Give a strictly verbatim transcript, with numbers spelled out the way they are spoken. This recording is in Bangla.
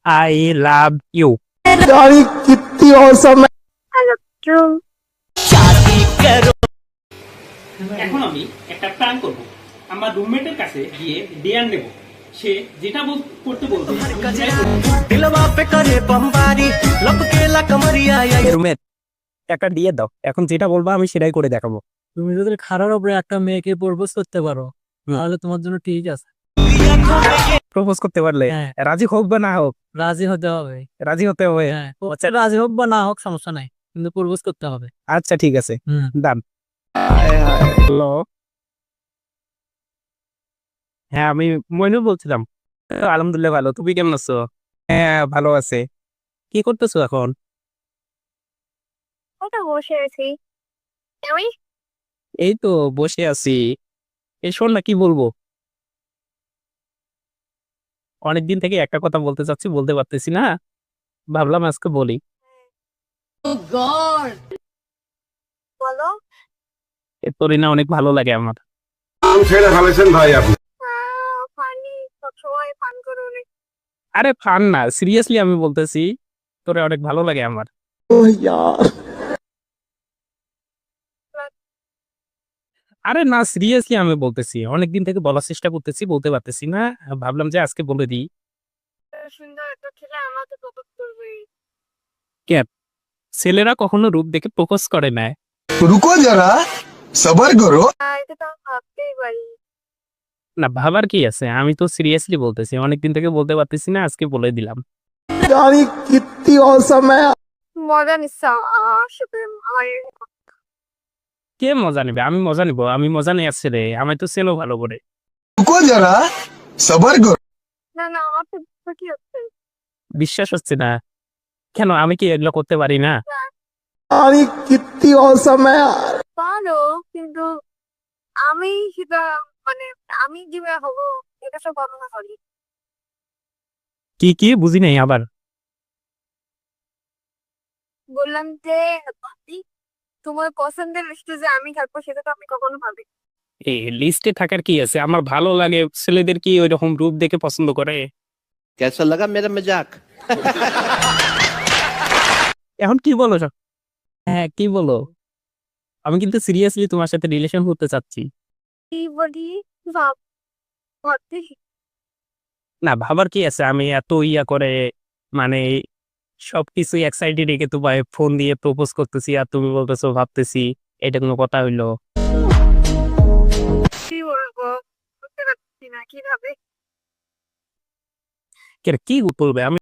I love you. यार ये कितनी औसम है। এখন আমি একটা প্ল্যান করব। আমার রুমমেটের কাছে গিয়ে ডিয়ার নেব। সে যেটা বল- করতে বলবে दिलवा पे करे बमबारी लपके ला कमरिया या রুমেট একটা দিয়ে দাও, এখন যেটা বলবো আমি সেটাই করে দেখাবো। তুমি যদি খারার উপরে একটা মেয়েকে প্রপোজ করতে পারো তাহলে তোমার জন্য ঠিক আছে। প্রপোজ করতে পারলে হ্যাঁ। রাজি হোক বা না হোক, রাজি হতে হবে। রাজি হতে হবে। হ্যাঁ, হচ্ছে রাজি হোক বা না হোক সমস্যা নাই, কিন্তু প্রপোজ করতে হবে। আচ্ছা ঠিক আছে, হুম। ডান। হ্যালো, হ্যাঁ আমি মইনুল বলছিলাম। তো আলহামদুলিল্লাহ ভালো, তুমি কেমন আছো? হ্যাঁ ভালো আছে। কি করতেছো এখন? ওটা বসে আছি। তুমি? এই তো বসে আছি। এই শোন না, কি বলবো, অনেকদিন থেকে একটা কথা বলতে চাচ্ছি, বলতে পারতেছি না, ভাবলাম আজকে বলি। বলো। এ তোরে না অনেক ভালো লাগে আমার। ছেড়ে ফেলেছেন ভাই আপনি। ফানি সবসময় ফান করো অনেক। আরে ফান না, সিরিয়াসলি আমি বলতেছি, তোরে অনেক ভালো লাগে আমার। ओह यार আরে না, সিরিয়াসলি আমি বলতেছি, অনেকদিন থেকে বলার চেষ্টা করতেছি, বলতে পারতেছি না, ভাবলাম যে আজকে বলে দিই। সুন্দর একটা ছেলে আমাকে প্রপোজ করবে। ছেলেরা কখনো রূপ দেখে প্রপোজ করে না। रुको जरा सबर करो। আহ, এটা তো আমি ভাবতেই পারি। না ভাবার কি আছে, আমি তো সিরিয়াসলি বলতেছি, অনেকদিন থেকে বলতে পারতেছি না, আজকে বলে দিলাম। यार ये कितनी औसम है। মজা নিচ্ছা আসবে আমার। কে মজা নিবে? আমি মজা নিব? আমি মজা নিয়ে আসছে রে, আমি তো চেনো ভালো করে। रुको जरा सबर करो। না না আমার তো বুঝতে কি হচ্ছে। বিশ্বাস হচ্ছে না কেন? আমি কি এগুলো করতে পারি না? यार ये कितनी औसम है यार। পারো, কিন্তু আমি সেটা মানে আমি যেভাবে হবো এটা সব বর্ণনা করি। কি কি বুঝি নাই আবার। বললাম যে ভাবি, তোমার পছন্দের লিস্টে যে আমি থাকবো সেটা তো আমি কখনো ভাবি। এই লিস্টে থাকার কি আছে? আমার ভালো লাগে ছেলেদের কি ওই রকম রূপ দেখে পছন্দ করে? कैसा लगा मेरा मजाक? এখন কি বলো সব? হ্যাঁ কি বলো? আমি কিন্তু সিরিয়াসলি তোমার সাথে রিলেশন করতে চাচ্ছি। কি বলি ভাব ভাবতে। না ভাবার কি আছে, আমি এত ইয়া করে মানে সবকিছু এক্সাইটেড রেখে তোমায় ফোন দিয়ে প্রপোজ করতেছি, আর তুমি বলতেছো ভাবতেছি। এটা কোনো কথা হইলো? কি বলবো বুঝতে পারছি না কিভাবে। কে- কি বলবে? আমি